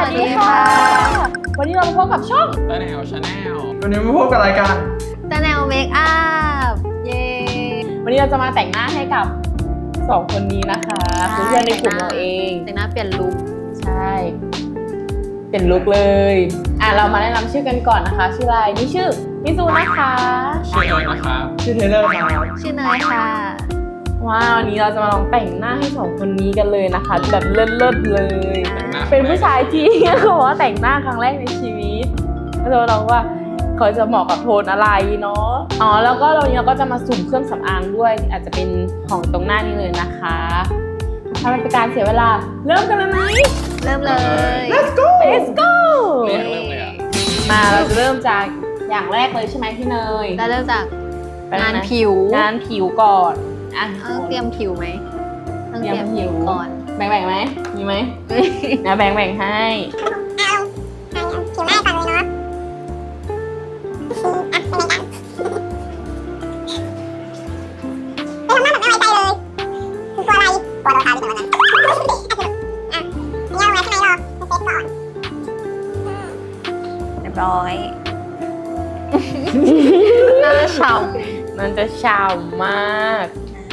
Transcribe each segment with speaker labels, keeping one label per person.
Speaker 1: วัสดีค่ะ วันนี้เรามาพบกับช่อง
Speaker 2: ตาแนวชาแนล
Speaker 3: วันนี้มาพบกับรายการ
Speaker 1: ตาแนวเมคอัพ เย้
Speaker 4: วันนี้เราจะมาแต่งหน้าให้กับ2คนนี้นะคะเพื่อนในกลุ่มเราเอง
Speaker 1: แต่งหน้าเปลี่ยนลุค
Speaker 4: ใช่ เป็นลุคเลยเรามาแนะนำชื่อกันก่อนนะคะ ชื่ออะไรนี่ชื่อมิซูนะคะ
Speaker 2: ชื่อเอิร์ธนะครับ
Speaker 3: ชื่อเทเลอร์ครับ
Speaker 1: ชื่อเนยค่ะ
Speaker 4: ว้าววันนี้เราจะมาลองแต่งหน้าให้2คนนี้กันเลยนะคะ แบบเลิศๆเลย
Speaker 2: แต่งหน้า
Speaker 4: เป็นผู้ชายที่ เขาบอกว่าแต่งหน้าครั้งแรกในชีวิตก็จะมาลองว่าเขาจะเหมาะกับโทนอะไรเนาะแล้วก็วันนี้เราก็จะมาสุ่มเครื่องสำอางด้วย อาจจะเป็นของตรงหน้านี้เลยนะคะถ้าไม่เป็นการเสียเวลาเริ่มกันเลยไหม
Speaker 1: เริ่มเลย
Speaker 4: Let's go
Speaker 2: เริ่มเลยอ่ะ
Speaker 4: มาเราจะเริ่มจากอย่างแรกเลยใช่ไหมพี่เนย
Speaker 1: แล้วเริ่มจากงานผิว
Speaker 4: งานผิวก่อน
Speaker 1: ต้องเตรียมผิวไหมต้อง
Speaker 4: เต
Speaker 1: เต
Speaker 4: รี
Speaker 1: รี
Speaker 4: ย
Speaker 1: ย
Speaker 4: ม
Speaker 1: ม
Speaker 4: ผิ
Speaker 1: ผิ
Speaker 4: ว
Speaker 1: วก่อน
Speaker 4: แบ่งไหมมีไหมนะแบ่งให้
Speaker 5: ผิวหน้าก่อนเลยเนาะเป็นไงทำหน้าแบบไม่ไว้ใจเลยคือกลัวอะไรกลัวโดนทาลิปเหมือนกันอ่ะนี่เอาไว้ข้างในรอเซฟก่อน
Speaker 1: เรียบร้อย หน้าฉ่
Speaker 4: มันจะฉ่ำมาก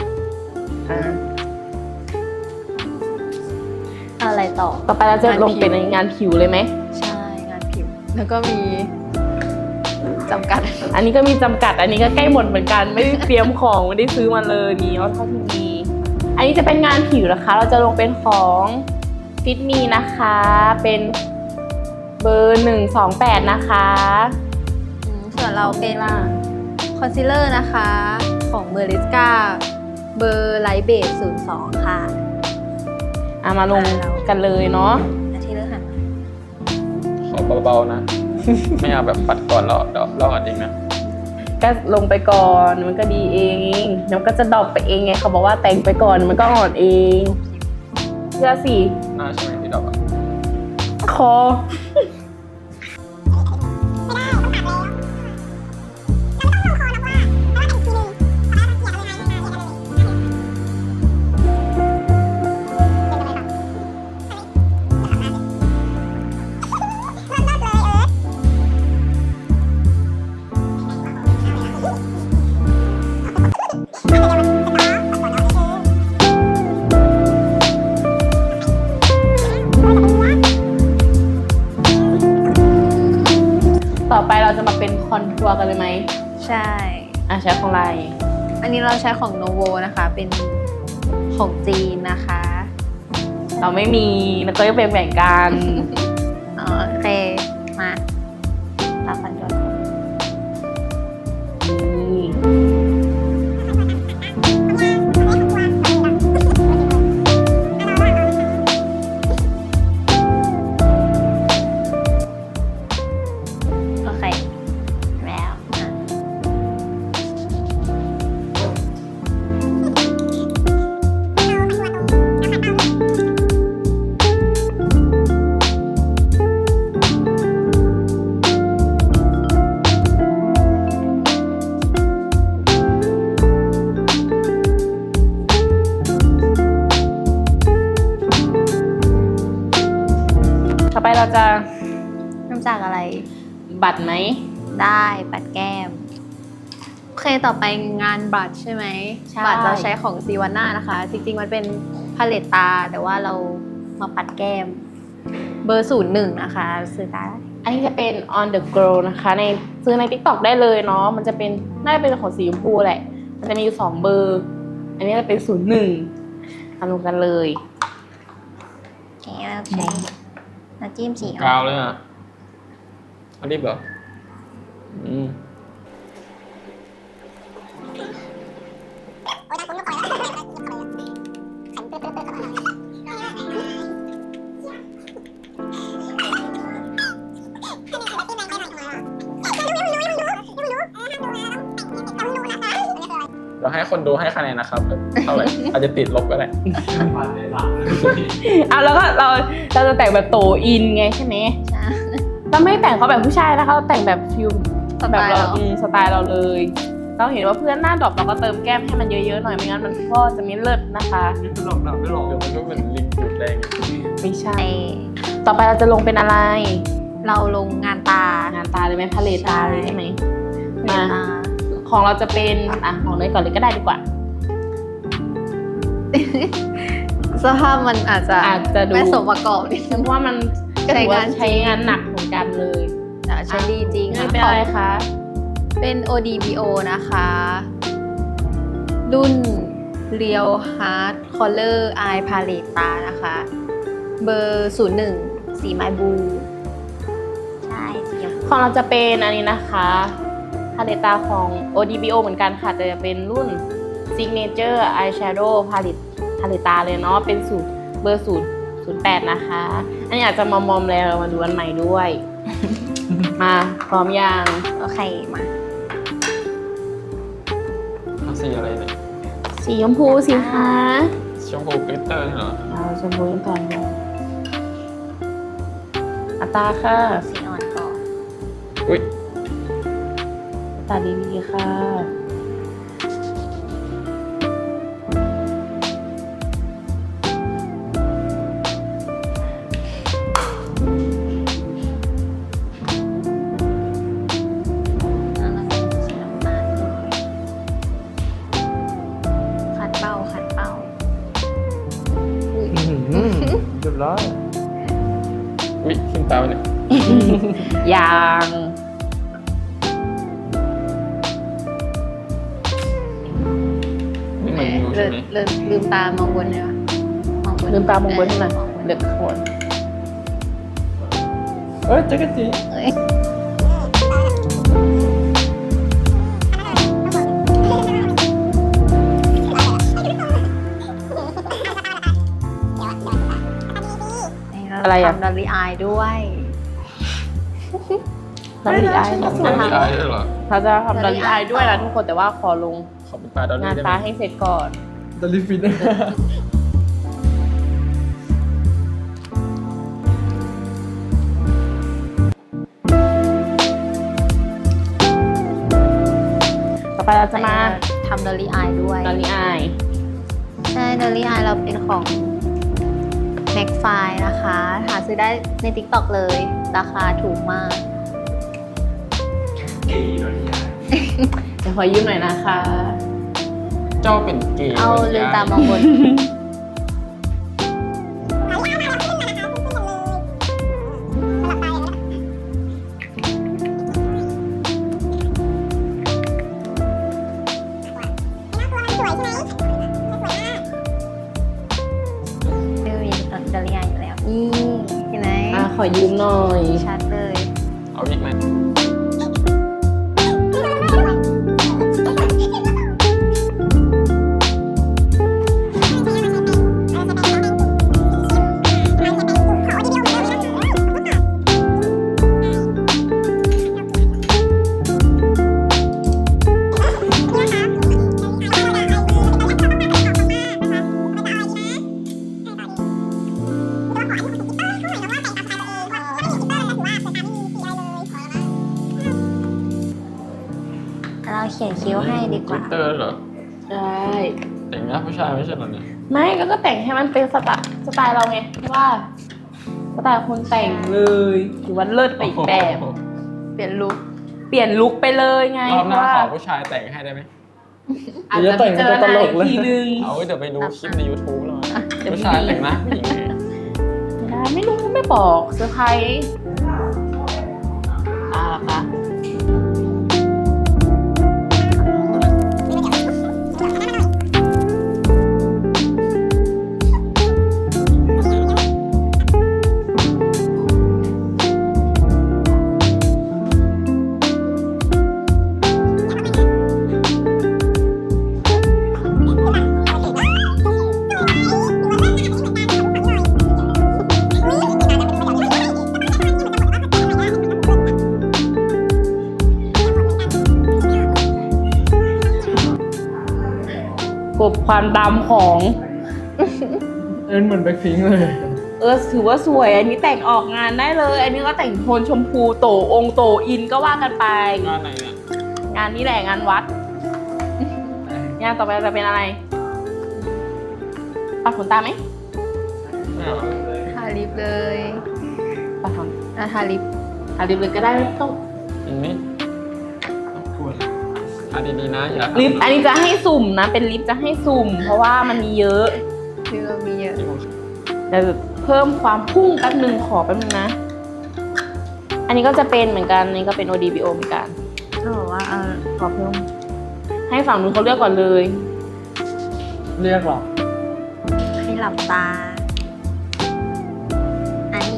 Speaker 1: ำอะไรต่อ
Speaker 4: ต่อไปเราจะลงเป็นงานผิวเลยไหม
Speaker 1: ใช่ งานผิว แล้วก็มีจำกัด
Speaker 4: อันนี้ก็มีจำกัด อันนี้ก็ใกล้หมดเหมือนกัน ไม่ได้เตรียมของ ไม่ได้ซื้อมาเลยนี่เอาเท่าที่มี อันนี้จะเป็นงานผิวนะคะ เราจะลงเป็นของฟิตมีนะคะ เป็นเบอร์128นะคะ
Speaker 1: ส่วนเราเป็น
Speaker 4: ล่ะ
Speaker 1: คอนซีลเลอร์นะคะ ของเมอริสกาเบอร์ไลท์เบส02 ค่ะ
Speaker 4: มาลงกันเลยเนาะ
Speaker 1: อาทิตย์เลือกหันมา
Speaker 2: ขอเบาๆนะ ไม่เอาแบบปัดก่อนเราอัดเองนะ
Speaker 4: ก็ลงไปก่อนมันก็ดีเองเดี๋ยวก็จะดรอปไปเองไงเขาบอกว่าแต่งไปก่อนมันก็อ่อนเองเชื่อสิ
Speaker 2: หน้าใช่ไหมที่ดอกอ่ะ
Speaker 4: คอ
Speaker 5: ไม่ได้ต้องตัดแล้วเราไม่ต้องลงคอหรอกว่าเราแต่งทีนึงพอแล้วเราเกลี่ยเอายังไง
Speaker 4: ต่อไปเราจะมาเป็นคอนทัวร์กันเลยไหม
Speaker 1: ใช่
Speaker 4: ใช้ของอะไร
Speaker 1: อันนี้เราใช้ของโนโวนะคะ เป็นของจีนนะคะ
Speaker 4: เราไม่มีแล้วก็จะแบ่งๆกัน
Speaker 1: โอเค มาตาฟันยนต์
Speaker 4: นี่
Speaker 1: โอเค แล้วอ่ะ
Speaker 4: ต่อไปเราจะ
Speaker 1: เริ่มจากอะไร
Speaker 4: บัตรไหม
Speaker 1: ได้ปัดแก้ม โอเคต่อไปงานบัตรใช่ไหม
Speaker 4: ใช่
Speaker 1: บัตรเราใช้ของซีวาน่านะคะ จริงๆมันเป็นพาเลตตา แต่ว่าเรามาปัดแก้ม เบอร์01นะคะซื้อได้
Speaker 4: อันนี้จะเป็น on the glow นะคะในซื้อใน TikTok ได้เลยเนาะมันจะเป็นน่าจะเป็นของสีชมพูแหละ มันจะมีอยู่2เบอร์ อันนี้จะเป็น01มาลงกันเลย
Speaker 1: โอเคเราใช้น้ำจิ้มสี
Speaker 2: กาวเลยอ่ะอันนี้เหรออืม
Speaker 5: โอ้ยน่าคุ้นก็ปล่อยแล้วแข็งปึ๊ดๆๆ
Speaker 2: เราให้คนดูให้คะแนนนะครับเท่าไหร่ อาจจะติดลบก็ได้
Speaker 4: แล้วก็เราจะแต่งแบบโตอินไงใช่ไหม
Speaker 1: ใช่
Speaker 4: เราไม่แต่งเขาแบบผู้ชายนะคะเราแต่งแบบฟิล
Speaker 1: สไต
Speaker 4: แบบ
Speaker 1: ล์
Speaker 4: เรา
Speaker 1: เรา
Speaker 4: สไตล์เราเลย เราเห็นว่าเพื่อนหน้าดรอปเราก็เติมแก้มให้มันเยอะๆหน่อยไม่งั้นมันก็จะไม่เลิศนะคะ
Speaker 3: นี่คือหลอกดับไม่หลอก
Speaker 2: เดี๋ยวมันก็เหมือนลิงดูดแรง
Speaker 4: ไม่ใช่ ต่อไปเราจะลงเป็นอะไร
Speaker 1: เราลงงานตา
Speaker 4: งานตาเลยไหมพาเลตตาเลยใช่ไหม
Speaker 1: งานตา
Speaker 4: ของเราจะเป็นของเนยก่อนเลยก็ได้ดีกว่า
Speaker 1: สภาพมันอาจจะ
Speaker 4: ดู
Speaker 1: ไม่สมประกอบนิดนึ
Speaker 4: เพ
Speaker 1: ง
Speaker 4: ราะว่ามันก็ถือว่าใช้งานหนักเหมือนกันเลย
Speaker 1: แต่ใช้ดีจริง
Speaker 4: นี่เป็นอะไรคะ
Speaker 1: เป็น ODBO นะคะ รุ่น Real Hard Color Eye Palette ตานะคะ เบอร์ 01 สีไม้บลูใช่สีชมพู
Speaker 4: ของเราจะเป็นอันนี้นะคะพาเลตตาของ ODBO เหมือนกันค่ะแต่จะเป็นรุ่น Signature Eyeshadow Palette ตาเลยเนาะเป็นสูตรเบอร์08นะคะ อันนี้อาจจะมอมๆแล้วมาดูอันใหม่ด้วย มาพร้อมยัง
Speaker 1: โอเคมา
Speaker 2: เอาสีอะไรเนี่ย
Speaker 4: สีชมพูสิคะ
Speaker 2: ชมพูกลิตเตอร์นี่เหรอ
Speaker 4: เอาชมพูกันก่อนเลยอัตราค่ะ
Speaker 1: สีอ่อนก่อน
Speaker 2: อุ้ย
Speaker 4: อัตราดีๆค่ะ
Speaker 1: แล้วเราก็สีน้ำตาลด้วยขัดเป้าอุ้ย
Speaker 3: เรียบร้อย
Speaker 2: อุ้ยขึ้นตาไปเนี่ย
Speaker 4: ยาง
Speaker 2: นี่เหมือนยูใช่ไหม
Speaker 1: ลืมตามองบนเลยว่ะมองบน
Speaker 4: ลืมตามองบนให้หน่อย
Speaker 1: มองบน
Speaker 4: เด็กโคน
Speaker 3: เอ้ยจักรจี
Speaker 1: เอ้ย
Speaker 4: อะไรอะ
Speaker 1: ทำดอลลี่อายด้วย
Speaker 4: ดอลลี่อาย
Speaker 2: ทำดอลลี่อายด้วยเหรอ
Speaker 4: เราจะทำดอลลี่อายด้วยนะทุกคนแต่ว่าขอลง
Speaker 2: ขอเป็นปลาดอล
Speaker 4: งา
Speaker 2: ลี่
Speaker 4: น
Speaker 2: ได้ไห
Speaker 4: ตาม ให้เสร็จก่อน
Speaker 3: ดอลลี่ฟิน
Speaker 4: ต่อไปเราจะมา
Speaker 1: ทำดอลลี่อายด้วย
Speaker 4: ดอลลี่อาย
Speaker 1: ใช่ดอลลี่อายเราเป็นของ แม็กไฟนะคะ หาซื้อได้ใน TikTok เลย ราคาถูกมาก
Speaker 4: เดี๋ยวขอยืมหน่อยนะคะ
Speaker 2: เจ้าเป็นเกย์
Speaker 1: เอา
Speaker 2: วะ
Speaker 1: ลื
Speaker 2: นี่
Speaker 1: ม
Speaker 2: ย
Speaker 1: ตามองบน ไม่มีดอลลี่อายอยู่แล้ว นี่เห็นไหม
Speaker 4: ขอยืมหน่อย
Speaker 1: ชัดเลย
Speaker 2: เอาอีกไหม
Speaker 1: เราเขียนคิ้วให้ดีก
Speaker 2: กลิ
Speaker 1: ว่า
Speaker 2: ตเตอร์เหรอ
Speaker 4: ใช่
Speaker 2: แต่งหน้าผู้ชายไม่ใช่เหรอเนี่ย
Speaker 4: ไม่ก็แต่งให้มันเป็นสไตล์เราไงเพราะว่าสไตล์คนแต่งเลยถือว่าเลิศไปอีกแบบ
Speaker 1: เปลี่ยนลุค
Speaker 4: เปลี่ยนลุคไปเลยไง
Speaker 2: รอบหน้า
Speaker 4: ว่า
Speaker 2: ขอผู้ชายแต่งให้ได้ไหม
Speaker 4: อาจจะไปเจอหน้าอีกทีนึง
Speaker 2: เอาไว้เดี๋ยวไปดูคลิปใน YouTube แล้ว
Speaker 4: เดี๋ยว
Speaker 2: ผู้ชายแต่งหน้าผู้หญิงไง
Speaker 4: ไม่รู้ไม่บอกเซอร์ไพรส์ล่ะคะกบความดำของ
Speaker 3: เหมือนแบ็คพิงค์เลย
Speaker 4: ถือว่าสวย อันนี้แต่งออกงานได้เลย อันนี้ก็แต่งโทนชมพูโตองค์โตอินก็ว่ากันไป
Speaker 2: งานไหนเนี่ย
Speaker 4: งานนี้แหละงานวัด งานต่อไปจะเป็นอะไรปัดขนตาไหม
Speaker 2: ไม่เอา
Speaker 1: ทาลิปเลย
Speaker 4: ปะท
Speaker 1: ทาลิป
Speaker 4: ำทาลิปเลยก็ได้ไม่ต้อง
Speaker 2: เห็นไหม
Speaker 3: ควร
Speaker 2: ทาดีๆนะอย่า
Speaker 4: ลิปอันนี้จะให้สุ่มนะ เป็นลิปจะให้สุ่ม เพราะว่ามันมีเยอะ
Speaker 1: คือเรามีเยอะ
Speaker 4: แต่เพิ่มความพุ่งแป๊บนึงขอแป๊บนึงนะ อันนี้ก็จะเป็นเหมือนกันอันนี้ก็เป็น ODBO เหมือนกัน
Speaker 1: ก็บอกว่า
Speaker 4: ขอเพิ่ม ให้ฝั่งนู้นเขาเลือกก่อนเลย
Speaker 3: เรียกหรอ
Speaker 1: ให้หลับตา อันนี้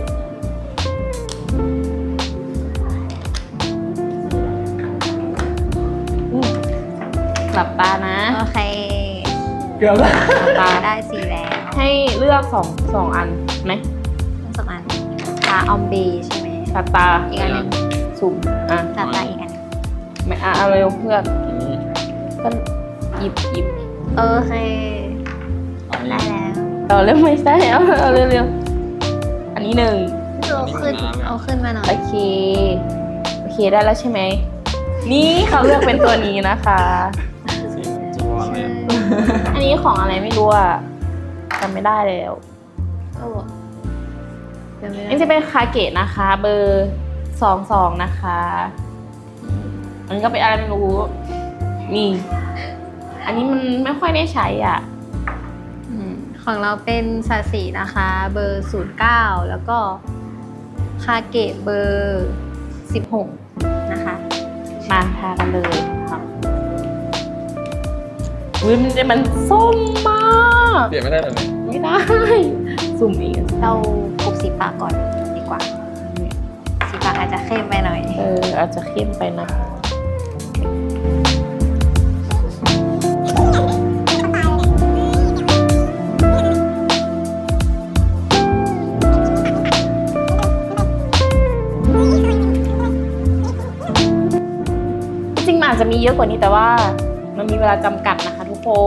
Speaker 4: หลับตานะ
Speaker 1: โอเค
Speaker 3: เกือบแล้ว
Speaker 4: หลับตา
Speaker 1: ได้สีแล้ว
Speaker 4: ให้เลือกสองอันไหม
Speaker 1: ทั้งสองอันตาออมเบใช่ไหม
Speaker 4: หลับตา
Speaker 1: อีกอันหนึง
Speaker 4: สุ่มอ่ะ
Speaker 1: ตาอีกอันหนึง
Speaker 4: ไม่เอาเร็วเพื่อน
Speaker 2: อันนี้
Speaker 4: ก็หยิบ
Speaker 1: โอเค
Speaker 2: อัน
Speaker 1: ได้
Speaker 2: นี้
Speaker 1: แล้ว
Speaker 4: เราเร็วไม่ใช่เอาเร็วๆอันนี้หนึ่ง
Speaker 1: เอาขึ้นมาหน่อย
Speaker 4: โอเคได้แล้วใช่ไหมนี่เขาเลือกเป็นตัวนี้นะคะ
Speaker 2: สีเหมือนจีวรเลยอะ
Speaker 4: อันนี้ของอะไรไม่รู้อะจำไม่ได้แล้ว
Speaker 1: โอ้เดี๋ยวไม่
Speaker 4: อันนี้
Speaker 1: ได้
Speaker 4: จะเป็นคาเกะนะคะ เบอร์22นะคะ อันนี้ก็เป็นอะไรไม่รู้นี่อันนี้มันไม่ค่อยได้ใช้อ่ะ
Speaker 1: ของเราเป็นสาสีนะคะ เบอร์ 09 แล้วก็คาเกะเบอร์ 16 นะคะ
Speaker 4: มาทากันเลยค่ะอุ้ยมันส้มมาก
Speaker 2: เปลี่ยนไม่ได้เลย
Speaker 4: ไม่ได้ สุ่มอีก
Speaker 1: เราปลุกสีปากก่อนดีกว่า สีปากอาจจะเข้มไปหน่อย
Speaker 4: อาจจะเข้มไปนะ จริงๆมันอาจจะมีเยอะกว่านี้แต่ว่ามันมีเวลาจำกัดนะคะทุกคน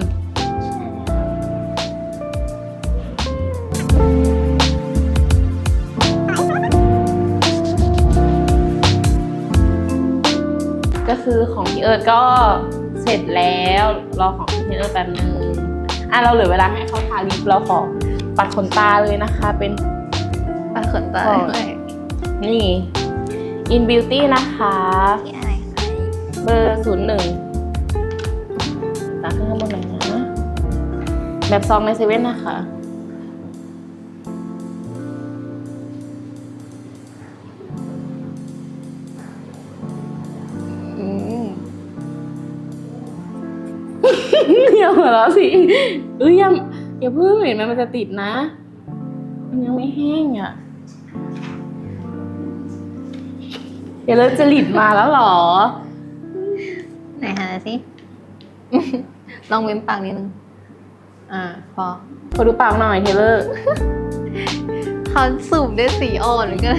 Speaker 4: ก็คือของพี่เอิร์ธก็เสร็จแล้วรอของพี่เอิร์ธแป๊บนึงเราเหลือเวลาให้เขาทาลิปเราขอปัดขนตาเลยนะคะ เป็น
Speaker 1: ปากขนตาด้วย
Speaker 4: นี่ In Beauty นะคะ
Speaker 1: ที่อะไรคะ
Speaker 4: เบอร์01ตาขึ้นข้างบนหน่อยนะ แบบซองในเซเว่นนะคะ
Speaker 1: อืม
Speaker 4: อย่าหัวเราะสิอย่าเพิ่งเห็นมันจะติดนะ มันยังไม่แห้งอ่ะ เดี๋ยวเราจะหลิดมาแล้วเหรอ
Speaker 1: ไหนหาสิ ลองเว้นปากนิดนึง พอ
Speaker 4: ขอดูปากหน่อยเทเลอร์
Speaker 1: เขาสูบด้วยสีอ่อนหรือก็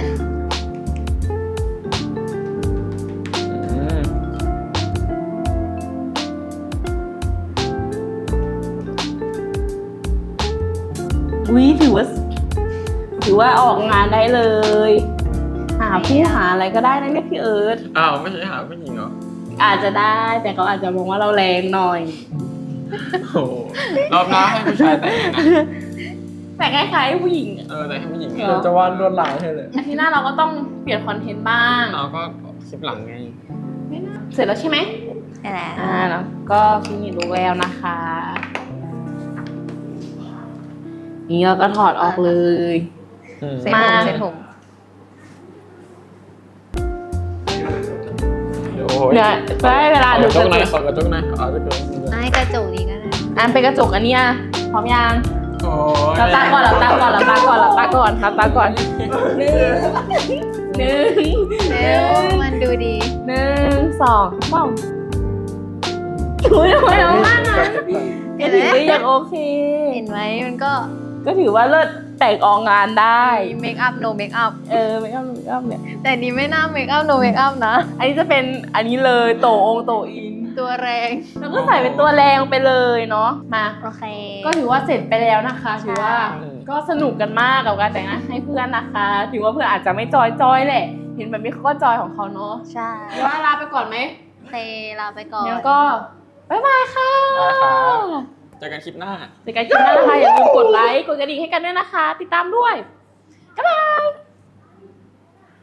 Speaker 2: อืม
Speaker 4: อุ้ยถือว่าออกงานได้เลย หาผู้หาอะไรก็ได้นะเนี่ยพี่เอิร์ธ
Speaker 2: อ้าวไม่ใช่หาผู้หญิงเหรอ
Speaker 4: อาจจะได้แต่เขาอาจจะมองว่าเราแรงหน่อย
Speaker 2: โอ้โหรอบหน้าให้ผู้ชายแต่งนะ
Speaker 4: แต่คล้ายๆผู้หญิงอะ
Speaker 2: แต่ให้ผู้หญิง
Speaker 4: เหร
Speaker 3: เดี๋ยวจะวาดลวดลายให้เลย
Speaker 4: อาทิตย์หน้าเราก็ต้องเปลี่ยนคอนเทนต์บ้าง
Speaker 2: เราก็คลิปหลังไง
Speaker 4: เสร็จแล้วใช่ไหม
Speaker 1: นี่แหละ
Speaker 4: แล้วก็ฟินิชดูแววนะคะ นี่เราก็ถอดออกเลย
Speaker 1: เซ็ต
Speaker 4: มา
Speaker 1: ผมเซ็ตผม
Speaker 2: โอ้ย
Speaker 4: เนี่ยได้เวลาดู
Speaker 2: จุ
Speaker 4: จะ
Speaker 2: กหน่อย
Speaker 4: จุก
Speaker 2: ขอกระจุกหน่อยเอาจุกหน่อย
Speaker 1: ให้กระจกนี้ก็ได้
Speaker 4: เป็นกระจกอันเนี้ยพร้อมยัง
Speaker 2: โอ้ย
Speaker 4: เราตาก่อนหลับตาก่อนหลับตาก่อนหลับตาก่อนหลับตาก่อนหนึ่ง
Speaker 1: เร็วมันดูดี
Speaker 4: หนึ่งสองป้องถุยทำไมเรามากนะเอ็นถือว่ายังโอเค
Speaker 1: เห็นไหมมันก็
Speaker 4: ก็ถือว่าเลิศแต่งออกงานได้
Speaker 1: มีเมคอัพ no เมคอัพ
Speaker 4: ไม่เอาเนี่ย
Speaker 1: แต่นี้ไม่น่าเมคอัพ no เมคอัพนะ
Speaker 4: อันนี้จะเป็นอันนี้เลยโตองโตอิน
Speaker 1: ตัวแรง
Speaker 4: แล้วก็ใส่เป็นตัวแรงไปเลยเนาะมา
Speaker 1: โอเค
Speaker 4: ก็ถือว่าเสร็จไปแล้วนะคะ
Speaker 1: ใช่
Speaker 4: ถือว่าก็สนุกกันมากกับการแต่งหน้าให้เพื่อนนะคะ ถือว่าเพื่อนอาจจะไม่จอยแหละ เห็นแบบนี้เขาก็จอยของเขาเนาะ
Speaker 1: ใช่
Speaker 4: เดี๋ยวว่าลาไปก่อนไหม
Speaker 1: โอเคลาไปก่อน
Speaker 4: งั้นก็บ๊ายบายค่ะ
Speaker 2: ได้ครับเจอกันคลิปหน้า
Speaker 4: ในการคลิปหน้านะคะอย่าลืมกดไลค์กดกระดิ่งให้กันด้วยนะคะ ติดตามด้วยบ๊ายบาย